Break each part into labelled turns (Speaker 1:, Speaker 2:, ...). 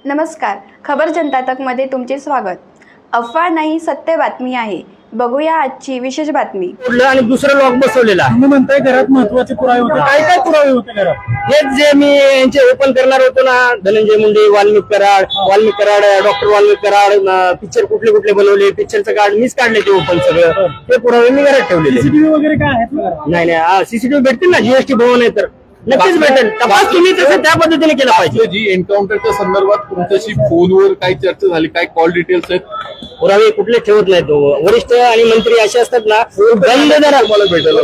Speaker 1: नमस्कार, खबर जनता तकमध्ये तुमचे स्वागत। अफवा नाही, सत्य बातमी आहे। बघूया आजची विशेष बातमी।
Speaker 2: आणि दुसरं लॉक बसवलेला
Speaker 3: तुम्ही म्हणताय घरात महत्त्वाचे पुरावे होते, काय काय पुरावे होते घरात?
Speaker 2: हेच जे मी यांचे ओपन करणार होतो ना, धनंजय मुंडे, वाल्मिक कराड, डॉक्टर वाल्मिक कराड, पिक्चर कुठले कुठले बनवले, पिक्चरचं कार्ड मीच काढले ते ओपन सगळं, ते पुरावे मी घरात ठेवलेले।
Speaker 3: सीसीटीव्ही वगैरे काय आहेत घरात?
Speaker 2: नाही सीसीटीव्ही भेटतील ना, जीएसटी भवन आहे तर नक्कीच भेटेल। तपास तुम्ही तसं त्या पद्धतीने केला पाहिजे।
Speaker 4: जी एन्काउंटरच्या संदर्भात तुमच्याशी फोनवर काय चर्चा झाली, काय कॉल डिटेल्स आहेत?
Speaker 2: पुरावे कुठले ठेवत नाहीत। वरिष्ठ आणि मंत्री असे असतात ना,
Speaker 4: तुम्हाला भेटेल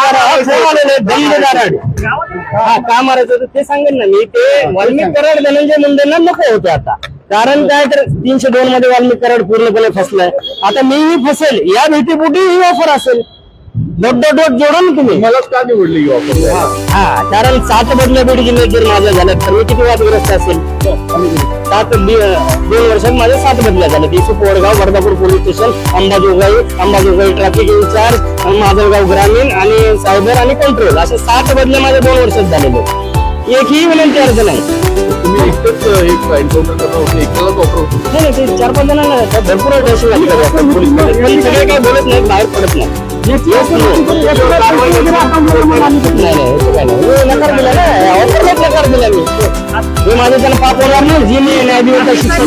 Speaker 2: हा का मारायचं तर ते सांगेन ना मी। ते वाल्मिक कराड धनंजय मुंडेंना नको होते आता, कारण काय तर 302 मध्ये वाल्मिक कराड पूर्णपणे फसलाय। आता मीही फसेल या भीतीपोटी ही ऑफर असेल। डोट जोडा ना तुम्ही।
Speaker 4: मला का निवडली ही ऑफर?
Speaker 2: हा, कारण 7 बदल्या बीड जिल्ह्यात जर माझ्या झाल्या तर मी किती वादग्रस्त असेल। 2 वर्षात माझ्या 7 बदल्या झाल्या। Deshu Porgaon, Vardhapur police station, Ambajogai traffic in charge, Majalgaon ग्रामीण आणि सायबर आणि कंट्रोल, असे 7 बदल्या माझ्या 2 वर्षात झालेले। एकही विनंती अर्ज नाही।
Speaker 4: तुम्ही एकच एक एन्काउंटर करणार होते, एकलाच ऑफर होती?
Speaker 2: नाही ते 4-5 जणांना भरपूर टेन्शन लागतं पोलीस सगळे काही बोलत नाही, बाहेर पडत नाही। नकार दिला ना, ऑफरलाच नकार दिला मी माझं त्याला पाप होणार नाही, जी मी न्यायाधिवंत शिक्षा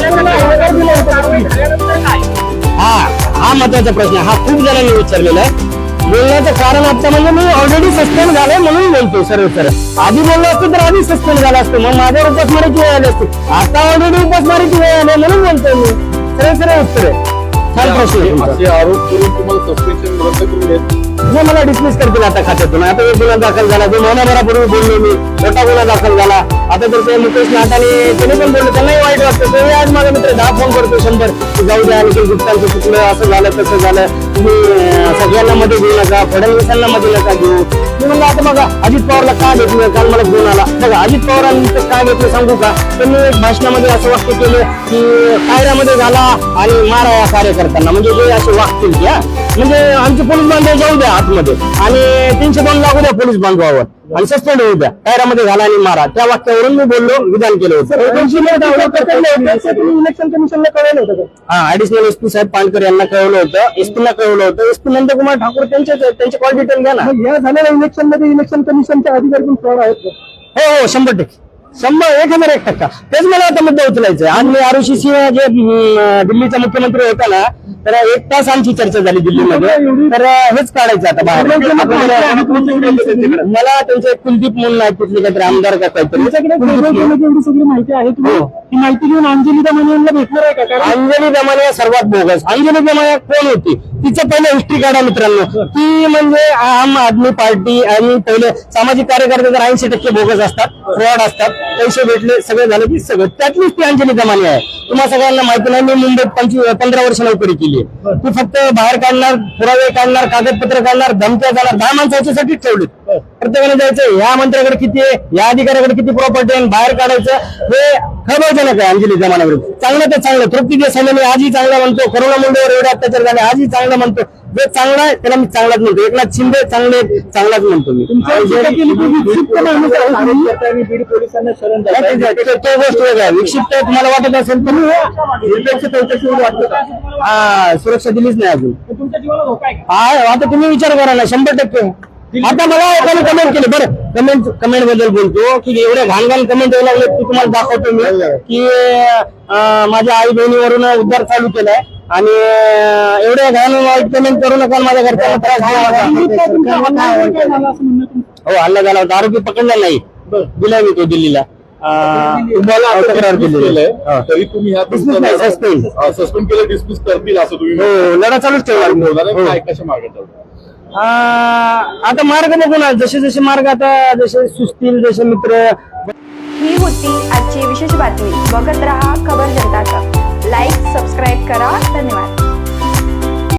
Speaker 2: हा महत्वाचा प्रश्न, हा खूप जणांनी विचारलेला आहे। बोलण्याचं कारण आता म्हणजे मी ऑलरेडी सस्पेंड झालोय म्हणून बोलतो सरळ। आधी बोललो असतो तर आधी सस्पेंड झाला असतो, मग माझ्यावर उपासमारीची वेळ आली असते। आता ऑलरेडी उपासमारीची वेळ आली म्हणून बोलतोय मी। सरळ उत्तर आहे। छान प्रश्न।
Speaker 4: असे आरोप करून तुम्हाला सस्पेन्शन रद्द करून देत
Speaker 2: नाही, मला डिसमिस करतील आता खात्यातून। आता एक गुन्हा दाखल झाला, 2 महिन्याभरापूर्वी बोललो मी, मोठा गुन्हा दाखल झाला। आता तर ते मुकेश नाटाने त्याने पण बोलले, त्यांनाही वाईट वाटतं। ते आज माझा मित्र 10 फोन करतो 100 की जाऊ द्या, निखिल गुप्तांचं चुकलं, असं झालं तसं झालं, तुम्ही सगळ्यांना मध्ये घेऊ नका, फडणवीसांना मध्ये नका घेऊ। मी म्हणलं आता बघा अजित पवारला का घेतलं, काल मला फोन आला बघा, अजित पवारांनी का घेतलं सांगू का? त्यांनी एक भाषणामध्ये असं वाक्य केलं की कायऱ्यामध्ये झाला आणि मारा या कार्यकर्त्यांना, म्हणजे जे असे वागतील की म्हणजे आमचे पोलीस बांधव जाऊ द्या आतमध्ये आणि 302 लागू द्या पोलीस बांधवावर आणि सस्पेंड होऊ द्या, कायऱ्यामध्ये झाला आणि मारा, त्या वाक्यावरून मी बोललो, विधान केलं होतं।
Speaker 3: इलेक्शन कमिशनला कळवलं होतं का?
Speaker 2: हा, ऍडिशनल एसपी साहेब पानकर यांना कळवलं होतं, एसपीला कळवलं होतं। एसपी नंदकुमार ठाकूर त्यांचे कॉल डिटेल घ्या ना।
Speaker 3: या झालेल्या इलेक्शन मध्ये इलेक्शन कमिशनच्या अधिकारी पण फ्रॉड आहेत का?
Speaker 2: हो 100%, 1001% तेच मला आता मुद्दा उचलायचा आहे। आज मी आरुषी सिंह जे दिल्लीचा मुख्यमंत्री होता ना, तर 1 तास आमची चर्चा झाली दिल्लीमध्ये, तर हेच काढायचं आता बाहेर। मला त्यांचे कुलदीप म्हणून आहे, तिथले काहीतरी आमदार का काहीतरी,
Speaker 3: एवढी सगळी माहिती आहे, तुम्ही ती माहिती घेऊन अंजली दमाने यांना भेटणार आहे का? कारण
Speaker 2: अंजली दमाने सर्वात बोगस। अंजली दमाने कोण होती? तिचं पहिलं हिस्ट्री काढा मित्रांनो। ती म्हणजे आम आदमी पार्टी आणि पहिले सामाजिक कार्यकर्ते तर 80% बोगस असतात, फ्रॉड असतात, पैसे भेटले सगळे झालं की सगळं, त्यातलीच ती अंजली दमाने आहे। तुम्हाला सगळ्यांना माहिती नाही, मी मुंबईत 15 वर्ष नोकरी केली आहे। ती फक्त बाहेर काढणार, पुरावे काढणार, कागदपत्र काढणार, धमक्या जाणार, 10 माणसं याच्यासाठीच ठेवली। प्रत्येकाने जायचं या मंत्र्याकडे किती आहे, या अधिकाऱ्याकडे किती प्रॉपर्टी आहे, बाहेर काढायचं, हे खबरजनक आहे अंजली दमानाविरुद्ध। चांगलं तर चांगलं, तृप्ती देसाईला मी आजही चांगला म्हणतो, करुणा मुंडेवर एवढे अत्याचार झाले आजही चांगला म्हणतो, जे चांगला आहे त्याला मी चांगलाच म्हणतो। एकनाथ शिंदे चांगले, चांगलाच म्हणतो मी।
Speaker 3: बीड पोलिसांना शरण
Speaker 2: तो गोष्ट वेगळा, विक्षिप्त तुम्हाला वाटत असेल तर सुरक्षा दिलीच नाही अजून।
Speaker 3: तुमच्या जीवाला धोका आहे?
Speaker 2: आता तुम्ही विचार करा ना, 100%। आता मला एकाने कमेंट केली, बरं कमेंट बद्दल बोलतो की एवढ्या घाण कमेंट यायला लागले, की तुम्हाला दाखवतो मी की माझ्या आई बहिणीवरून उद्धार चालू केलाय आणि एवढ्या घाण वाईट कमेंट करू नका, माझ्या घरच्यांना त्रास हो हल्ला झाला होता, आरोपी पकडला नाही, दिला मी तो दिल्लीला।
Speaker 4: तक्रार केलेली आहे, तरी तुम्ही सस्पेंड केलं, डिस्मिस करतील असं तुम्ही?
Speaker 2: हो, लढा चालूच ठेवला।
Speaker 4: काय कशा मार्गात
Speaker 2: आता मार्ग बघू ना, जसे मार्ग आता जसे सुचतील, जसे मित्र।
Speaker 1: ही होती आजची विशेष बातमी। बघत रहा खबर जनता तक। लाईक, सबस्क्राईब करा। धन्यवाद।